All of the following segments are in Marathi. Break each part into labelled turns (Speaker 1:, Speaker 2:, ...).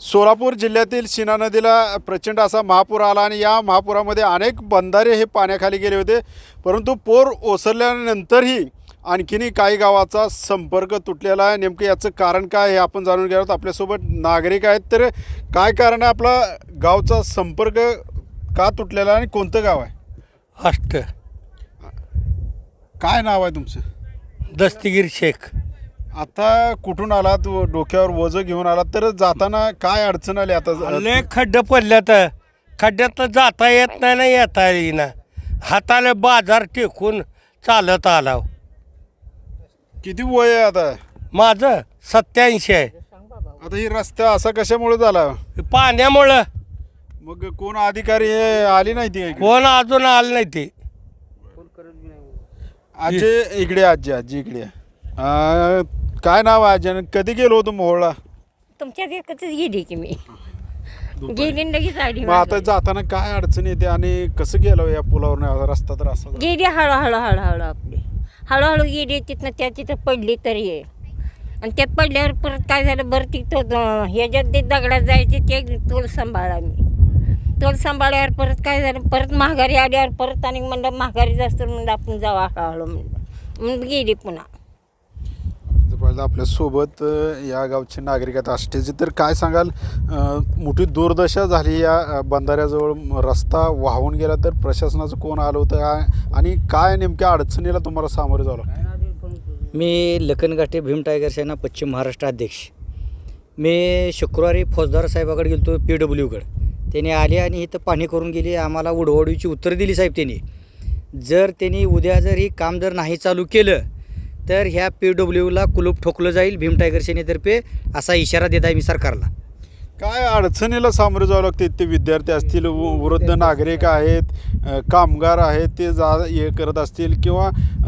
Speaker 1: सोलापूर जिल्ह्यातील शिना नदीला प्रचंड असा महापूर आला आणि या महापुरामध्ये अनेक बंधारे हे पाण्याखाली गेले होते. परंतु पूर ओसरल्यानंतरही आणखीनही काही गावाचा संपर्क तुटलेला आहे. नेमकं याचं कारण काय हे आपण जाणून घेणार आहोत. आपल्यासोबत नागरिक आहेत. तर काय कारण आहे आपला गावचा संपर्क का तुटलेला आहे आणि कोणतं गाव आहे?
Speaker 2: अष्ट
Speaker 1: काय नाव आहे तुमचं?
Speaker 2: दस्तगीर शेख.
Speaker 1: आता कुठून आलात? डोक्यावर वजं घेऊन आलात तर जाताना काय अडचण आली? आता
Speaker 2: लय खड्डे पडल्यात, खड्ड्यात जाता येत नाही ना येता येईना. हाताला बाजार टेकून चालत आला.
Speaker 1: किती वय आहे आता?
Speaker 2: माझं 87 आहे.
Speaker 1: आता ही रस्ता असा कशामुळे झाला?
Speaker 2: पाण्यामुळं.
Speaker 1: मग कोण अधिकारी हे आली नाही ती?
Speaker 2: कोण अजून आलं नाही ते.
Speaker 1: आजी इकडे, आजी इकडे. काय नाव आहे आजी? कधी गेलो होतो मोहोळला?
Speaker 3: तुमच्या एकच गेली की मी गेली लगेच आली.
Speaker 1: मग आता जाताना काय अडचण येते आणि कसं गेलो या पुलावर? रस्ता तर असा
Speaker 3: गेली हळूहळू आपली हळूहळू गेली. तिथनं तिथं पडली तरी आहे. आणि त्यात पडल्यावर परत काय झालं बरं तिथं ह्याच्यात ते दगडात जायचे ते तोल सांभाळा मी. तोल सांभाळल्यावर परत काय झालं परत माघारी आल्यावर परत आणि म्हणलं माघारी जास्त म्हणलं आपण जावा हळूहळू म्हणलं गेली पुन्हा.
Speaker 1: आपल्यासोबत या गावचे नागरिक आहेत आष्टेचे. तर काय सांगाल, मोठी दुर्दशा झाली या बंधाऱ्याजवळ, रस्ता वाहून गेला. तर प्रशासनाचं कोण आलं होतं आणि काय नेमक्या अडचणीला तुम्हाला सामोरे जावं लागतं?
Speaker 4: मी लखनगाठे भीम टायगर सेना पश्चिम महाराष्ट्र अध्यक्ष. मी शुक्रवारी फौजदार साहेबाकडे गेलो PWकडे. त्याने आले आणि इथं पाणी करून गेली. आम्हाला उडवडीची उत्तर दिली साहेब त्यांनी. जर त्यांनी उद्या जर ही काम जर नाही चालू केलं तर ह्या PWला कुलूप ठोकलं जाईल भीम टायगर सेनेतर्फे, असा इशारा देत आहे मी सरकारला.
Speaker 1: काय अडचणीला सामोरे जावं लागते? ते विद्यार्थी असतील, वृद्ध नागरिक आहेत, कामगार आहेत, ते हे करत असतील किंवा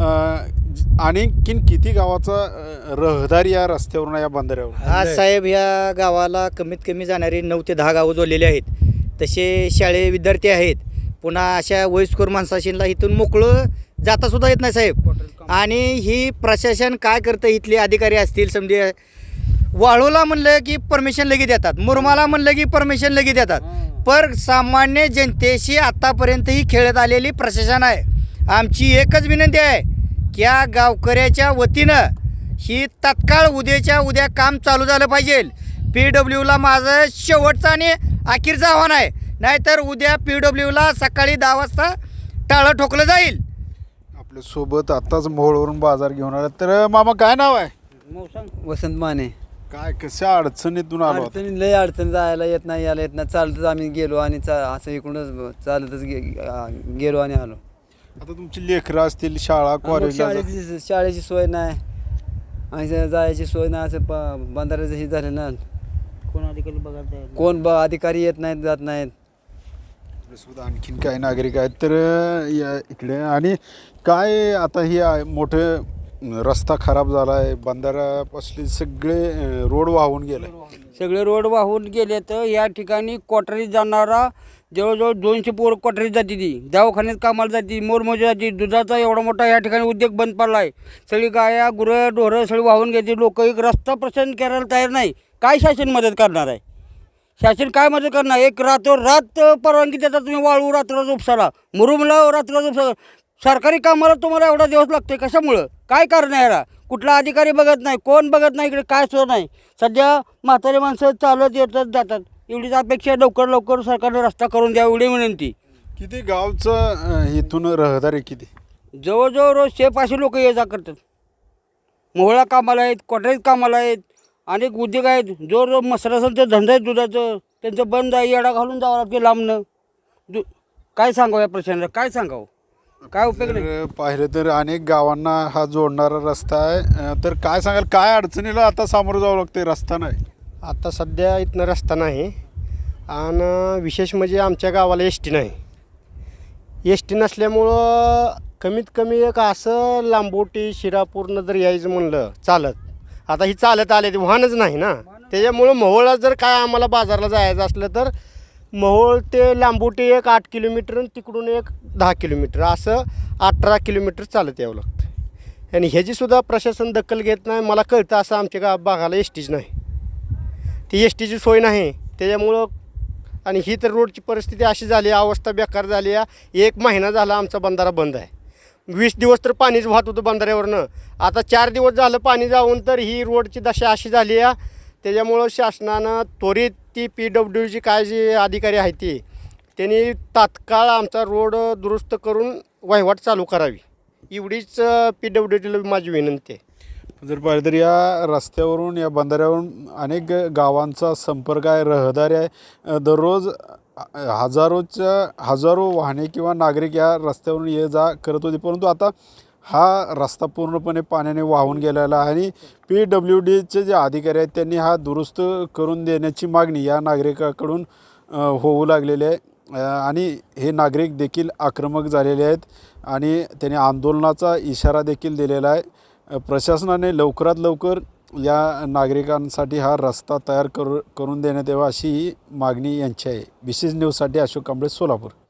Speaker 1: आणखीन किती गावाचा रहदारी या रस्त्यावरून या बंधाऱ्यावर?
Speaker 4: आज साहेब ह्या गावाला कमीत कमी जाणारी 9 ते 10 गावं जोडलेली आहेत. तसे शाळे विद्यार्थी आहेत. पुन्हा अशा वयस्कर माणसाशीला इथून मोकळं जातासुद्धा येत नाही साहेब. आणि ही प्रशासन काय करतं, इथले अधिकारी असतील समजे, वाळूला म्हणलं की परमिशन लगेच देतात, मुरमाला म्हणलं की परमिशन लगेच देतात. पर सामान्य जनतेशी आत्तापर्यंत ही खेळत आलेली प्रशासन आहे. आमची एकच विनंती आहे की या गावकऱ्याच्या वतीनं ही तात्काळ उद्याच्या उद्या काम चालू झालं पाहिजे. PWला माझं शेवटचं आणि अखेरचं आव्हान आहे. नाहीतर उद्या PWला सकाळी 10 वाजता टाळं ठोकलं जाईल.
Speaker 1: आपल्यासोबत आत्ताच मोहोळवरून बाजार घेऊन आला. तर मामा काय नाव आहे?
Speaker 5: वसंत माने.
Speaker 1: काय कशा अडचणीतून आलो?
Speaker 5: अडचणी लय अडचण, जायला येत नाही यायला येत नाही. चालतच आम्ही गेलो आणि असं इकडूनच चालतच गेलो आणि आलो.
Speaker 1: आता तुमची लेकरं असतील, शाळा कॉलेज,
Speaker 5: शाळेची सोय नाही आणि जायची सोय नाही. असं बंधाऱ्याचं हे झालं ना. कोण अधिकारी येत नाहीत, जात नाहीत.
Speaker 1: आणखीन काही नागरिक आहेत. तर या इकडे आणि काय आता ही मोठे रस्ता खराब झाला आहे, बंधाऱ्यापासले सगळे रोड वाहून गेले.
Speaker 6: सगळे रोड वाहून गेले. तर या ठिकाणी क्वार्टरीत जाणारा जवळजवळ 200 पोरं क्वार्टरीत जाते, ती दवाखान्यात कामाला जाते, मोरमोजी जाते. दुधाचा एवढा मोठा या ठिकाणी उद्योग बंद पडला आहे. सगळी गाया गुरं ढोरं सगळी वाहून घेते. लोक एक रस्ता प्रसन्न करायला तयार नाही. काय शासन मदत करणार आहे? शासन काय मदत करणार? एक रात परवानगी देतात तुम्ही, वाळू रात्र उपसाला, मुरुमला रात्र उपसाला. सरकारी कामाला तुम्हाला एवढा दिवस लागतोय कशामुळं? काय कारण आहे याला? कुठला अधिकारी बघत नाही, कोण बघत नाही, इकडे काय सुद्धा नाही. सध्या म्हातारी माणसं चालत येतात जातात. एवढीच अपेक्षा, लवकर सरकारने रस्ता करून द्या एवढी विनंती.
Speaker 1: किती गावचं इथून रहदारी किती?
Speaker 6: जवळजवळ रोज 600 लोक ये जा करतात. मोहळा कामाला आहेत, क्वार्टरीत कामाला आहेत, अनेक उद्योग आहेत. जो मसरा असेल ते धंदा आहे दुधाचं, त्यांचं बंद आहे. येडा घालून जावं लागते लांबनं. काय सांगावं या प्रश्नाला? काय सांगावं? काय उपयोग नाही.
Speaker 1: पाहिलं तर अनेक गावांना हा जोडणारा रस्ता आहे. तर काय सांगाल, काय अडचणीला आता सामोरं जावं लागते? रस्ता नाही
Speaker 7: आता सध्या इथनं रस्ता नाही. आणि विशेष म्हणजे आमच्या गावाला ST नाही. ST नसल्यामुळं कमीत कमी एक असं लांबोटी शिरापूरनं जर यायचं म्हणलं चालत, आता ही चालत आले ते वाहनच नाही ना. त्याच्यामुळं मोहोळला जर काय आम्हाला बाजारला जायचं असलं तर मोहोळ ते लांबोटी एक 8 किलोमीटर आणि तिकडून एक 10 किलोमीटर, असं 18 किलोमीटर चालत यावं लागतं. आणि ह्याचीसुद्धा प्रशासन दखल घेत नाही. मला कळतं असं आमच्या भागाला STच नाही. ती STची सोय नाही. त्याच्यामुळं आणि ही तर रोडची परिस्थिती अशी झाली, अवस्था बेकार झाली आहे. 1 महिना झाला आमचा बंधारा बंद आहे. 20 दिवस तर पाणीच वाहत होतं बंधाऱ्यावरनं. आता 4 दिवस झालं पाणी जाऊन तर ही रोडची दशा अशी झाली आहे. त्याच्यामुळं शासनानं त्वरित ती PWDची काय जी अधिकारी आहे ती त्यांनी तात्काळ आमचा रोड दुरुस्त करून वहिवाट चालू करावी, एवढीच PWDला माझी विनंती आहे.
Speaker 1: जर पाहिलं तर या रस्त्यावरून या बंधाऱ्यावरून अनेक गावांचा संपर्क आहे, रहदारी आहे. दररोज हजारो वाहने किंवा नागरिक या रस्त्यावरून ये जा करत होते, परंतु आता हा रस्ता पूर्णपणे पाण्याने वाहून गेलेला आहे आणि PWDचे जे अधिकारी आहेत त्यांनी हा दुरुस्त करून देण्याची मागणी या नागरिकाकडून होऊ लागलेली आहे. आणि हे नागरिक देखील आक्रमक झालेले आहेत आणि त्यांनी आंदोलनाचा इशारा देखील दिलेला आहे. प्रशासनाने लवकरात लवकर या नागरिकांसाठी हा रस्ता तयार करून देण्यात यावा अशी ही मागणी यांची आहे. विशेष न्यूजसाठी अशोक कांबळे, सोलापूर.